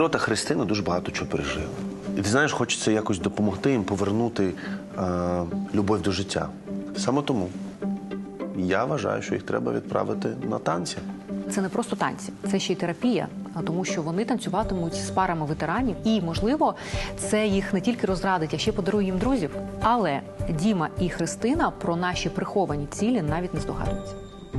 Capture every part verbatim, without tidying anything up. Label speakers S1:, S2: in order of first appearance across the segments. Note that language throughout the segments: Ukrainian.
S1: Та Христина дуже багато чого пережив. І ти знаєш, хочеться якось допомогти їм повернути е, любов до життя. Саме тому я вважаю, що їх треба відправити на танці.
S2: Це не просто танці, це ще й терапія, тому що вони танцюватимуть з парами ветеранів. І, можливо, це їх не тільки розрадить, а ще подарує їм друзів. Але Діма і Христина про наші приховані цілі навіть не здогадуються.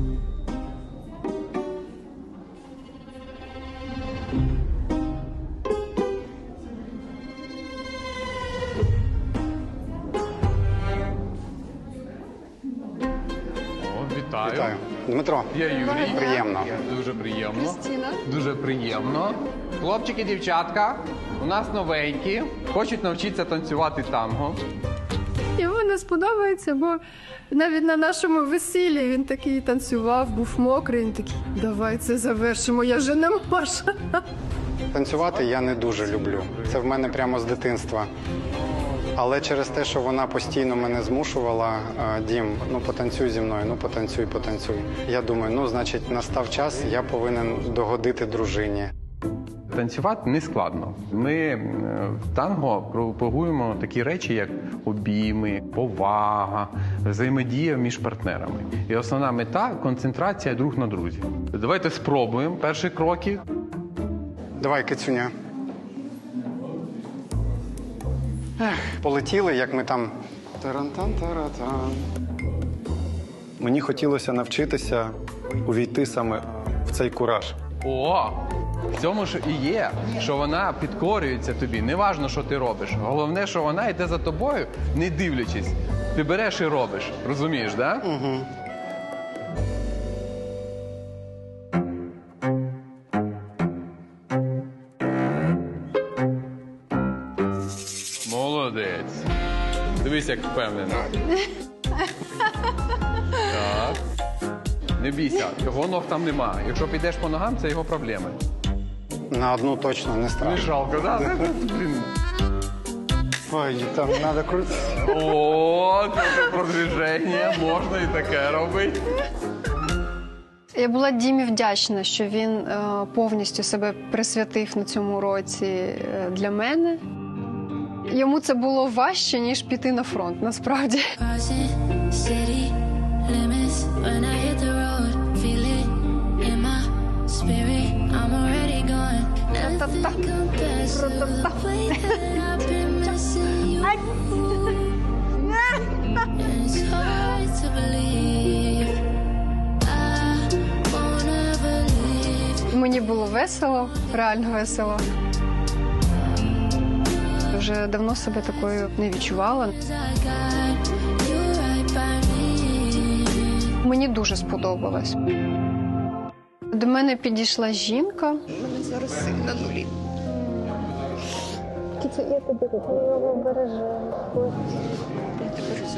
S3: Вітаю.
S4: Вітаю. Дмитро.
S3: Я Юрій.
S4: Приємно.
S3: Дуже приємно.
S5: Кристина.
S3: Дуже приємно. Хлопчики, дівчатка, у нас новенькі, хочуть навчитися танцювати танго.
S5: Йому не сподобається, бо навіть на нашому весіллі він такий танцював, був мокрий, він такий, давай це завершимо, я вже не можу.
S4: Танцювати я не дуже люблю. Це в мене прямо з дитинства. Але через те, що вона постійно мене змушувала, Дім, ну потанцюй зі мною, ну потанцюй, потанцюй. Я думаю, ну, значить, настав час, я повинен догодити дружині.
S3: Танцювати не складно. Ми е, в танго пропагуємо такі речі, як обійми, повага, взаємодія між партнерами. І основна мета – концентрація друг на друзі. Давайте спробуємо перші кроки.
S4: Давай, кицюня. Ех, полетіли, як ми там. Тарантан-таратан. Мені хотілося навчитися увійти саме в цей кураж.
S3: О! В цьому ж і є, що вона підкорюється тобі. Неважно, що ти робиш. Головне, що вона йде за тобою, не дивлячись. Ти береш і робиш. Розумієш, так? Да?
S4: Угу.
S3: Молодець. Дивись, як впевнено. Так. Не бійся, його ног там нема. Якщо підеш по ногам, це його проблеми.
S4: На одну точно не
S3: Не
S4: страшно.
S3: жалко, так? Да? Блін.
S4: Ой, там треба крутитися.
S3: О, це продвіження, можна і таке робити.
S5: Я була Дімі вдячна, що він е, повністю себе присвятив на цьому році е, для мене. Йому це було важче, ніж піти на фронт, насправді. Мені було весело, реально весело. Вже давно себе такою не відчувала. Мені дуже сподобалось. До мене підійшла жінка. У мене зараз син на нулі. Кіця, я тебе бережу. Я тебе бережу.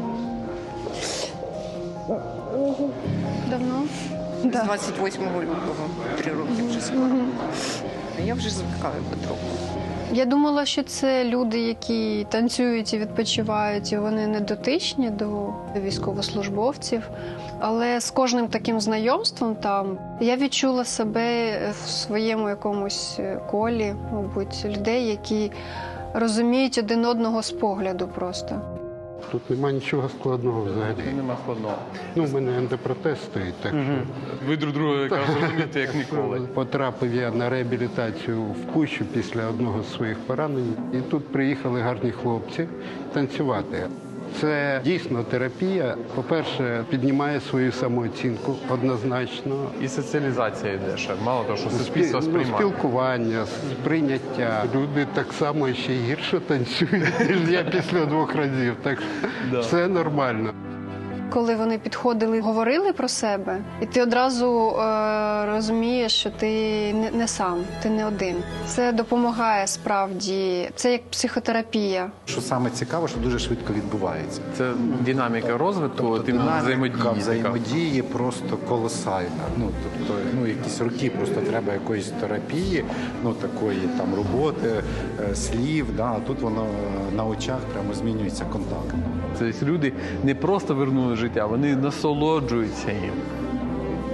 S5: Давно?
S6: З двадцять восьмого лютого, три роки вже скоро. Я вже звикаю потроху.
S5: Я думала, що це люди, які танцюють і відпочивають, і вони не дотичні до військовослужбовців. Але з кожним таким знайомством там я відчула себе в своєму якомусь колі, мабуть, людей, які розуміють один одного з погляду просто.
S7: Тут немає нічого складного взагалі.
S3: Тут нема складного.
S7: Ну, у мене ендопротез стоїть, так що...
S3: Ви друг друга якраз розумієте, як ніколи.
S7: Потрапив я на реабілітацію в Пущу після одного з своїх поранень. І тут приїхали гарні хлопці танцювати. Це дійсно терапія. По-перше, піднімає свою самооцінку однозначно.
S3: І соціалізація йде ще. Мало того, що
S7: Спі-
S3: суспільство
S7: ну,
S3: сприймає.
S7: спілкування, сприйняття. Люди так само ще й гірше танцюють, ніж я після двох разів. Так що все нормально.
S5: Коли вони підходили, говорили про себе, і ти одразу е, розумієш, що ти не, не сам, ти не один. Це допомагає справді, це як психотерапія.
S8: Що саме цікаво, що дуже швидко відбувається.
S3: Це динаміка розвитку,
S8: Тобто
S3: тим
S8: динаміка
S3: взаємодії. така.
S8: взаємодії просто колосальна. Ну, тобто, ну, якісь роки просто треба якоїсь терапії, ну, такої там роботи, е, слів, да, а тут воно на очах прямо змінюється контакт.
S3: Тобто люди не просто вернули життя, вони насолоджуються їм.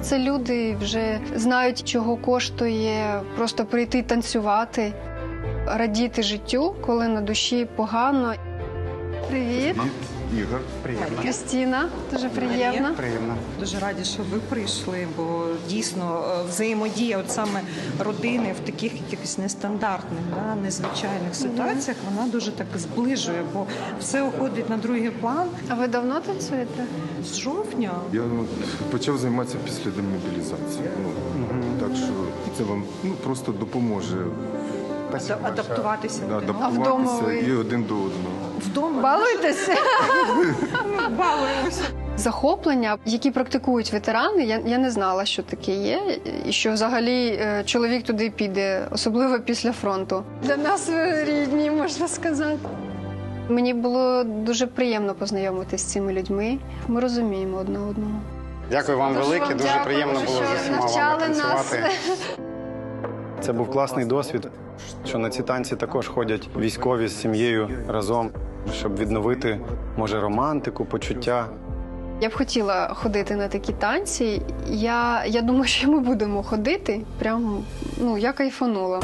S5: Це люди вже знають, чого коштує просто прийти танцювати, радіти життю, коли на душі погано. Привіт.
S9: Ігор.
S4: Приємно.
S5: Крістіна, дуже приємно.
S4: Приємно.
S6: Дуже раді, що ви прийшли, бо дійсно е, взаємодія от саме родини в таких якихось нестандартних, да, незвичайних ситуаціях, вона дуже так зближує, бо все уходить на другий план.
S5: А ви давно танцюєте?
S6: З жовтня.
S9: Я ну, почав займатися після демобілізації. Ну, так що це вам ну, просто допоможе
S6: Ада- адаптуватися.
S9: да,
S6: один
S5: А вдома
S9: адаптуватися
S5: ви?
S9: і один до одного.
S6: Вдома
S5: Балуєтеся?
S6: балуємося.
S5: Захоплення, які практикують ветерани, я, я не знала, що таке є, і що взагалі е, чоловік туди піде, особливо після фронту. Для нас ви рідні, можна сказати. Мені було дуже приємно познайомитися з цими людьми. Ми розуміємо одне одного.
S4: Дякую вам
S5: Дуже
S4: велике,
S5: вам
S4: дуже
S5: дякую,
S4: приємно було
S5: що
S4: з усіма вами
S5: навчали нас.
S4: танцювати. Це був класний досвід, що на ці танці також ходять військові з сім'єю разом, щоб відновити, може, романтику, почуття.
S5: Я б хотіла ходити на такі танці. Я, я думаю, що ми будемо ходити. Прям, ну, я кайфанула.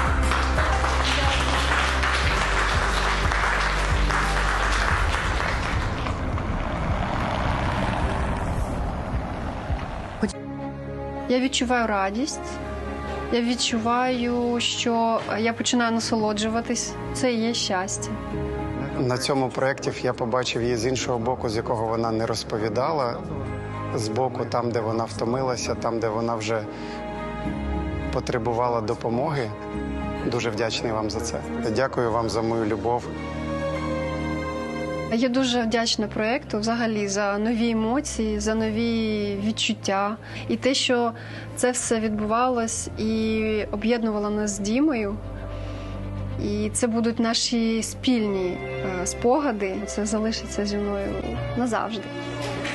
S5: Я відчуваю радість. Я відчуваю, що я починаю насолоджуватись. Це і є щастя.
S4: На цьому проєкті я побачив її з іншого боку, з якого вона не розповідала. З боку, там, де вона втомилася, там, де вона вже потребувала допомоги. Дуже вдячний вам за це. Дякую вам за мою любов.
S5: Я дуже вдячна проєкту взагалі за нові емоції, за нові відчуття. І те, що це все відбувалось і об'єднувало нас з Дімою. І це будуть наші спільні е, спогади. Це залишиться зі мною назавжди.